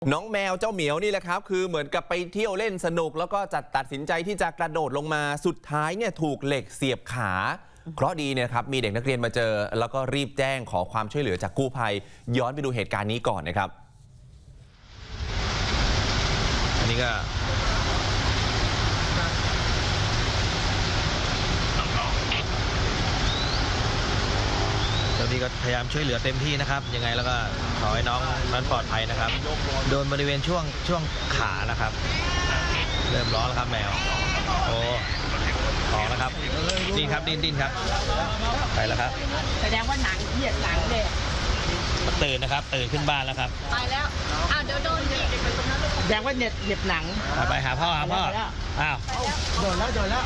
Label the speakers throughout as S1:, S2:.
S1: น้องแมวเจ้าเหมียวนี่แหละครับคือเหมือนกับไปเที่ยวเล่นสนุกแล้วก็ตัดสินใจที่จะกระโดดลงมาสุดท้ายเนี่ยถูกเหล็กเสียบขาเคราะห์ดีเนี่ยครับมีเด็กนักเรียนมาเจอแล้วก็รีบแจ้งขอความช่วยเหลือจากกู้ภัยย้อนไปดูเหตุการณ์นี้ก่อนนะครับอันนี้ก็เจ้าหน้าที่ก็พยายามช่วยเหลือเต็มที่นะครับยังไงแล้วก็ขอให้น้องนั้นปลอดภัยนะครับโดนบริเวณช่วงขานะครับเริ่มร้อนแล้วครับแมวโอ้ออกแล้วครับดิ้นครับดิ้นครับไปแล้วครับ
S2: แสดงว่าหนังเหยียดหนังเลย
S1: ตื่นนะครับตื่นขึ้นบ้านแล้วครับ
S2: ไปแล้วอ้าวเดี๋ยวโดนอีกแสดงว่าเหยียดหนัง
S1: ไปหาพ่ออ้าว
S2: โดนแล้ว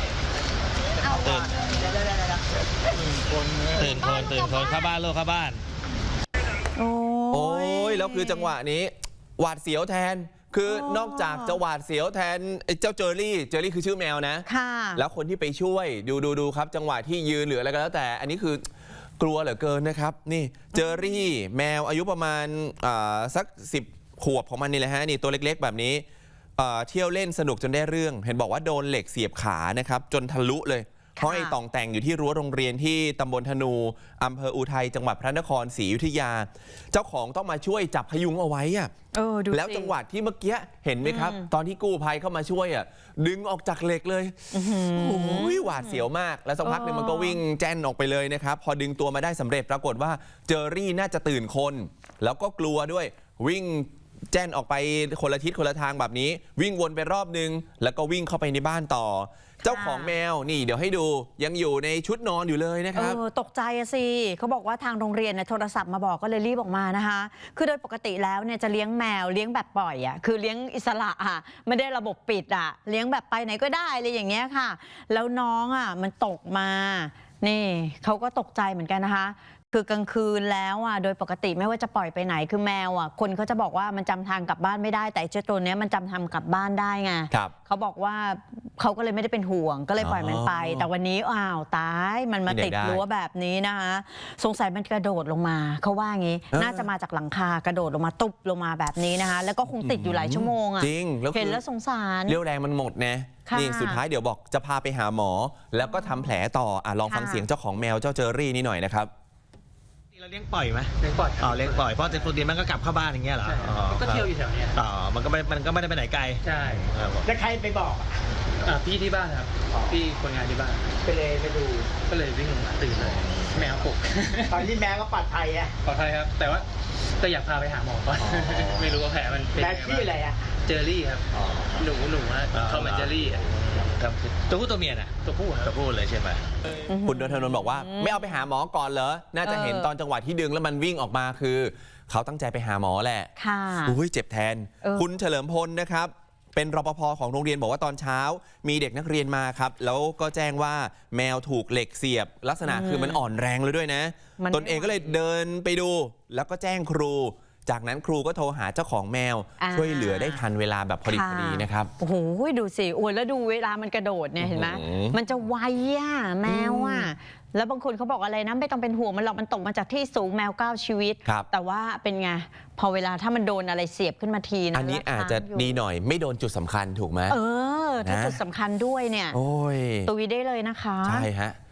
S1: ตื่นคนเข้าบ้านลูกเข้าบ้านโอ้ยแล้วคือจังหวะนี้หวาดเสียวแทนคือนอกจากจะหวาดเสียวแทนเจ้าเจอรี่คือชื่อแมวนะแล้วคนที่ไปช่วยดูครับจังหวะที่ยืนหรืออะไรก็แล้วแต่อันนี้คือกลัวเหลือเกินนะครับนี่เจอรี่แมวอายุประมาณสัก10 ขวบของมันนี่แหละฮะนี่ตัวเล็กๆแบบนี้เที่ยวเล่นสนุกจนได้เรื่องเห็นบอกว่าโดนเหล็กเสียบขานะครับจนทะลุเลยห้อยต่องแต่งอยู่ที่รั้วโรงเรียนที่ตำบลธนูอำเภออุทัยจังหวัดพระนครศรีอยุธยาเจ้าของต้องมาช่วยจับพยุงเอาไว้อะแล้วจังหวะที่เมื่อกี้เห็นไหมครับตอนที่กู้ภัยเข้ามาช่วยดึงออกจากเหล็กเลยโอ้ยหวาดเสียวมากแล้วสักพักหนึ่งมันก็วิ่งแจ้นออกไปเลยนะครับพอดึงตัวมาได้สำเร็จปรากฏว่าเจอรี่น่าจะตื่นคนแล้วก็กลัวด้วยวิ่งแจ้นออกไปคนละทิศคนละทางแบบนี้วิ่งวนไปรอบนึงแล้วก็วิ่งเข้าไปในบ้านต่อเจ้าของแมวนี่เดี๋ยวให้ดูยังอยู่ในชุดนอนอยู่เลยนะครับ
S3: ตกใจสิเขาบอกว่าทางโรงเรียนโทรศัพท์มาบอกก็เลยรีบออกมานะคะคือโดยปกติแล้วเนี่ยจะเลี้ยงแมวเลี้ยงแบบปล่อยคือเลี้ยงอิสระไม่ได้ระบบปิดเลี้ยงแบบไปไหนก็ได้เลยอย่างเงี้ยค่ะแล้วน้องมันตกมานี่เขาก็ตกใจเหมือนกันนะคะคือกลางคืนแล้วโดยปกติไม่ว่าจะปล่อยไปไหนคือแมวคนเขาจะบอกว่ามันจำทางกลับบ้านไม่ได้แต่เจ้าตัวนี้มันจำทางกลับบ้านได้ไงเขาบอกว่าเขาก็เลยไม่ได้เป็นห่วงก็เลยปล่อยมันไปแต่วันนี้อ้าวตายมันมาติดรั้วแบบนี้นะคะสงสัยมันกระโดดลงมาเขาว่างี้น่าจะมาจากหลังคากระโดดลงมาตุบลงมาแบบนี้นะคะแล้วก็คงติดอยู่หลายชั่วโมง
S1: จริง
S3: เห็นแล้วสงสาร
S1: เรี่ยวแรงมันหมดนะนี่สุดท้ายเดี๋ยวบอกจะพาไปหาหมอแล้วก็ทำแผลต่อลองฟังเสียงเจ้าของแมวเจ้าเจอรี่นี่หน่อยนะครับเราเลี้ยงปล่อยไหมเลี้ยงปล่อยเลี้ยงปล่อยเพราะตัวเดียวมันก็กลับเข้าบ้านอย่างเงี้ยเหรอ
S2: ก็เที่ยวอยู่แถวนี้
S1: มันก็ไม่ได้ไปไหนไกล
S2: ใช่แล้วใครไปบอกพี่ที่บ้านครับพี่คนงานที่บ้านไปดูก็เลยวิ่งลงมาตื่นเลยแมวปลุกตอนที่แมวก็ปลอดภัยปลอดภัยครับแต่ว่าก็อยากพาไปหาหมอก่อนไม่รู้ว่าแผลมันเป็นแผลที่อะไรเจอรี่ครับหนูเขาเหมือนเจอรี่
S1: ตัวผู้ตัวเมีย
S2: ตัวผู้
S1: เลยใช่ไหมคุณนนทนนท์บอกว่าไม่เอาไปหาหมอก่อนเหรอน่าจะเห็นตอนจังหวะที่ดึงแล้วมันวิ่งออกมาคือเขาตั้งใจไปหาหมอแหละอุ้ยเจ็บแทนคุณเฉลิมพลนะครับเป็นรปภ.ของโรงเรียนบอกว่าตอนเช้ามีเด็กนักเรียนมาครับแล้วก็แจ้งว่าแมวถูกเหล็กเสียบลักษณะคือมันอ่อนแรงเลยด้วยนะตนเองก็เลยเดินไปดูแล้วก็แจ้งครูจากนั้นครูก็โทรหาเจ้าของแมวช่วยเหลือได้ทันเวลาแบบพอดีนะครับ
S3: โอ้โหดูสิโอ้ยแล้วดูเวลามันกระโดดเนี่ยเห็นไหมมันจะไวแมวแล้วบางคนเขาบอกอะไรนะไม่ต้องเป็นห่วงมันหรอกมันตกมาจากที่สูงแมว9 ชีวิตแต่ว่าเป็นไงพอเวลาถ้ามันโดนอะไรเสียบขึ้นมาทีนะ
S1: อันนี้อาจจะดีหน่อยไม่โดนจุดสำคัญถูกไหม
S3: ถ้าจุดสำคัญด้วยเนี่ยตุยได้เลยนะคะ
S1: ใช่ฮะ